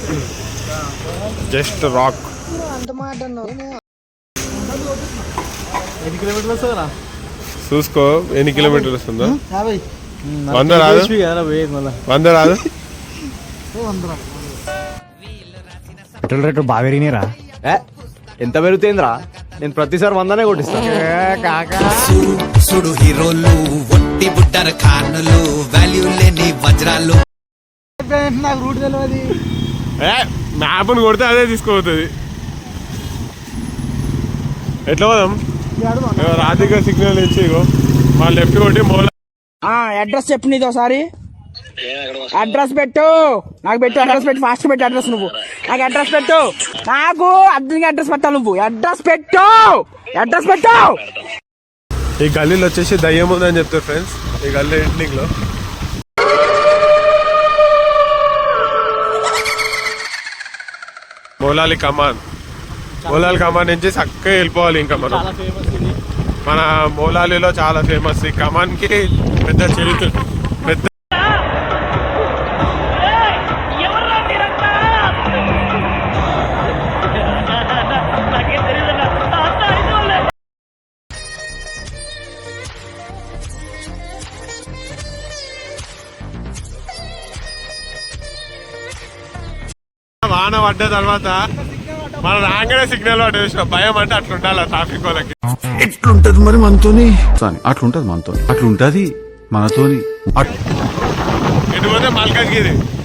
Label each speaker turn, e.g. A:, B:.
A: Just rock. చూసుకో ఎన్ని కిలోమీటర్లు వస్తుందో. 100 రాదు, 100 రాదు.
B: పెట్రోల్ రేట్లు బాగా పెరిగినారా?
C: ఎంత పెరుగుతుందిరా? నేను ప్రతిసారి 100నే కొట్టిస్తాను.
D: సుడు హీరోలు ఒట్టి బుట్టర్ ఖానులు వాల్యూ లేని వజ్రాలు.
B: నాకు రూట్ తెలియదు.
A: మ్యాప్ను కొడితే అదే తీసుకోపోతుంది. ఎట్లా పోదాం? రాధిక సిగ్నల్ ఇచ్చి మా లెఫ్ట్ కొట్టి
E: అడ్రస్ చెప్పు నీది ఒకసారి. అడ్రస్ పెట్టు, నాకు పెట్టు అడ్రస్ పెట్టు, ఫాస్ట్ పెట్టు అడ్రస్. నువ్వు నాకు అడ్రస్ పెట్టు, నాకు అర్జెంట్గా అడ్రస్ పెట్టాలి. నువ్వు అడ్రస్ పెట్టు, అడ్రస్ పెట్టు.
A: ఈ గల్లీలో వచ్చేసి దయ్యం ఉందని చెప్తారు ఫ్రెండ్స్. ఈ గల్లీ ఎండింగ్ లో మౌలాలి కమాన్ నుంచి చక్కగా వెళ్ళిపోవాలి. ఇంకా మన మౌలాలిలో చాలా ఫేమస్ ఈ కమాన్ కి పెద్ద చరిత్ర. పెద్ద వాన పడ్డ తర్వాత మన రాగానే సిగ్నల్ పట్టేసిన భయం అంటే అట్లుండాలి ట్రాఫిక్ వాళ్ళకి.
F: ఎట్లుంటది మరి మనతోని? అట్లుంటది మనతోని, అట్లుంటది మనతోని.
A: ఎటు పోతే మల్కాజ్గిరి